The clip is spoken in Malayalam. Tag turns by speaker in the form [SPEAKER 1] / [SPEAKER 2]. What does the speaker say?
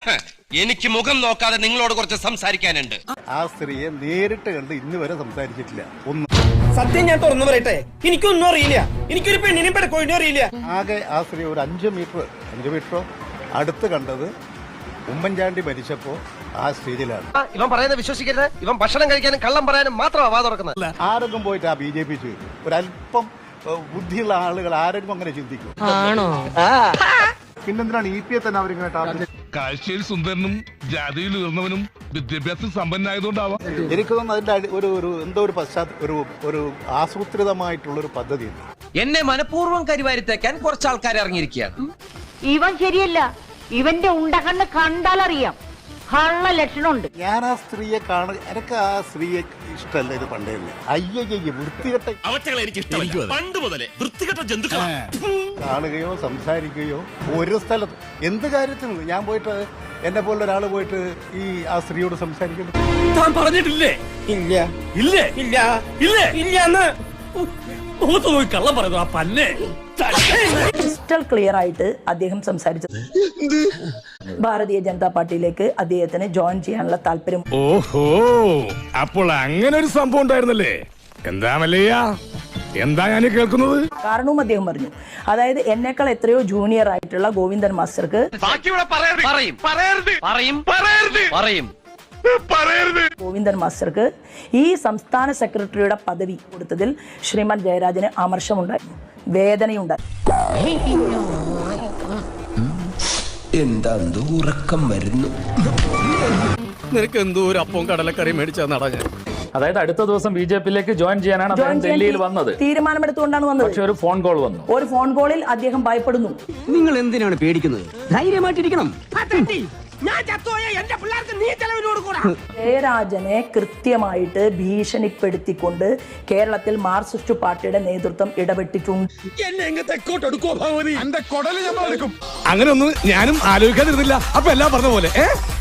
[SPEAKER 1] എനിക്ക് മുഖം നോക്കാതെ നിങ്ങളോട് കുറച്ച് സംസാരിക്കാനുണ്ട്.
[SPEAKER 2] ആ സ്ത്രീയെ നേരിട്ട് കണ്ട് ഇന്ന് വരെ സംസാരിച്ചിട്ടില്ല.
[SPEAKER 3] സത്യം ഞാൻ തുറന്നു പറയട്ടെ, എനിക്കൊന്നും അറിയില്ല. എനിക്കൊരു പെണ്ണിനും പെടക്കോഴിനും അറിയില്ല.
[SPEAKER 2] ആകെ ആ സ്ത്രീ ഒരു 5 മീറ്ററോ അടുത്ത് കണ്ടത് ഉമ്മൻചാണ്ടി മരിച്ചപ്പോ ആ സ്റ്റേജിലാണ്.
[SPEAKER 4] ഇവൻ പറയുന്നത് വിശ്വസിക്കരുത്. ഇവൻ ഭക്ഷണം കഴിക്കാനും കള്ളം പറയാനും മാത്രമാണ് വാ തുറക്കുന്നത്.
[SPEAKER 2] ആരെങ്കിലും പോയിട്ട് ആ BJP ചെയ്തു ഒരല്പം ബുദ്ധിയുള്ള ആളുകൾ ആരെങ്കിലും അങ്ങനെ ചിന്തിക്കും? പിന്നെന്തിനാണ് EPയെ തന്നെ അവരിങ്ങനെ
[SPEAKER 5] കാഴ്ചയിൽ സുന്ദരനും ജാതിയിൽ ഉയർന്നവനും വിദ്യാഭ്യാസം സമ്പന്നായതുകൊണ്ടാവാം.
[SPEAKER 2] എനിക്ക് തോന്നുന്നു അതിന്റെ ഒരു ആസൂത്രിതമായിട്ടുള്ളൊരു പദ്ധതി.
[SPEAKER 1] എന്നെ മനഃപൂർവ്വം കരിവാരിത്തേക്കാൻ കുറച്ച് ആൾക്കാർ ഇറങ്ങിയിരിക്കുകയാണ്.
[SPEAKER 6] ഇവൻ ശരിയല്ല. ഇവന്റെ ഉണ്ടകണ്ണ് കണ്ടാലറിയാം കള്ള ലക്ഷണമുണ്ട്.
[SPEAKER 2] ഞാൻ ആ സ്ത്രീയെ എനിക്ക് ആ സ്ത്രീയെ ഇഷ്ടമല്ല. ഇത് പണ്ടേ അയ്യയ്യ വൃത്തികെട്ട കാണുകയോ സംസാരിക്കുകയോ ഒരു സ്ഥലത്ത് എന്ത് കാര്യത്തിനും ഞാൻ പോയിട്ട് എന്നെ പോലുള്ള ഒരാൾ പോയിട്ട് ആ സ്ത്രീയോട് സംസാരിക്കുന്നു.
[SPEAKER 3] താൻ പറഞ്ഞിട്ടില്ലേ? ഇല്ല ഇല്ലേ ഇല്ല ഇല്ലേ ഇല്ല കള്ളം പറയുന്നു. ആ പന്നെ
[SPEAKER 7] ക്രിസ്റ്റൽ ക്ലിയർ ആയിട്ട് അദ്ദേഹം സംസാരിച്ചത് ഭാരതീയ ജനതാ പാർട്ടിയിലേക്ക് അദ്ദേഹത്തിന് ജോയിൻ ചെയ്യാനുള്ള താല്പര്യം.
[SPEAKER 5] ഓഹോ, അപ്പോൾ അങ്ങനെ ഒരു സംഭവം ഉണ്ടായിരുന്നല്ലേ? എന്താ മല്ലയ്യ, എന്താ ഞാൻ കേൾക്കുന്നത്?
[SPEAKER 7] കാരണവും അദ്ദേഹം പറഞ്ഞു. അതായത് എന്നേക്കാൾ എത്രയോ ജൂനിയർ ആയിട്ടുള്ള ഗോവിന്ദൻ മാസ്റ്റർക്ക് ഗോവിന്ദൻ മാസ്റ്റർക്ക് ഈ സംസ്ഥാന സെക്രട്ടറിയുടെ പദവി കൊടുത്തതിൽ ശ്രീമാൻ ജയരാജന് അമർഷമുണ്ടായിരുന്നു, വേദനയുണ്ടായി.
[SPEAKER 4] എന്താ ഉറക്കം വരുന്നു?
[SPEAKER 3] നിനക്ക് എന്തോ ഒരു അപ്പവും കടലക്കറി മേടിച്ചാ നടഞ്ഞ.
[SPEAKER 8] അതായത് അടുത്ത ദിവസം BJPയിലേക്ക് ജോയിൻ ചെയ്യാനാണ് അദ്ദേഹം ഡൽഹിയിൽ വന്നത്.
[SPEAKER 7] തീരുമാനമെടുത്തുകൊണ്ടാണ് വന്നത്.
[SPEAKER 8] പക്ഷെ ഒരു ഫോൺ കോൾ വന്നു.
[SPEAKER 7] ഒരു ഫോൺ കോളിൽ അദ്ദേഹം ഭയപ്പെടുന്നു.
[SPEAKER 4] നിങ്ങൾ എന്തിനാണ് പേടിക്കുന്നത്? ധൈര്യമായിട്ടിരിക്കണം.
[SPEAKER 7] ജയരാജനെ കൃത്യമായിട്ട് ഭീഷണിപ്പെടുത്തിക്കൊണ്ട് കേരളത്തിൽ മാർക്സിസ്റ്റ് പാർട്ടിയുടെ നേതൃത്വം ഇടപെട്ടിട്ടുണ്ട്.
[SPEAKER 5] അങ്ങനെ ഒന്നും ഞാനും ആലോചിക്കാതിരുന്നില്ല. അപ്പൊ എല്ലാം പറഞ്ഞ പോലെ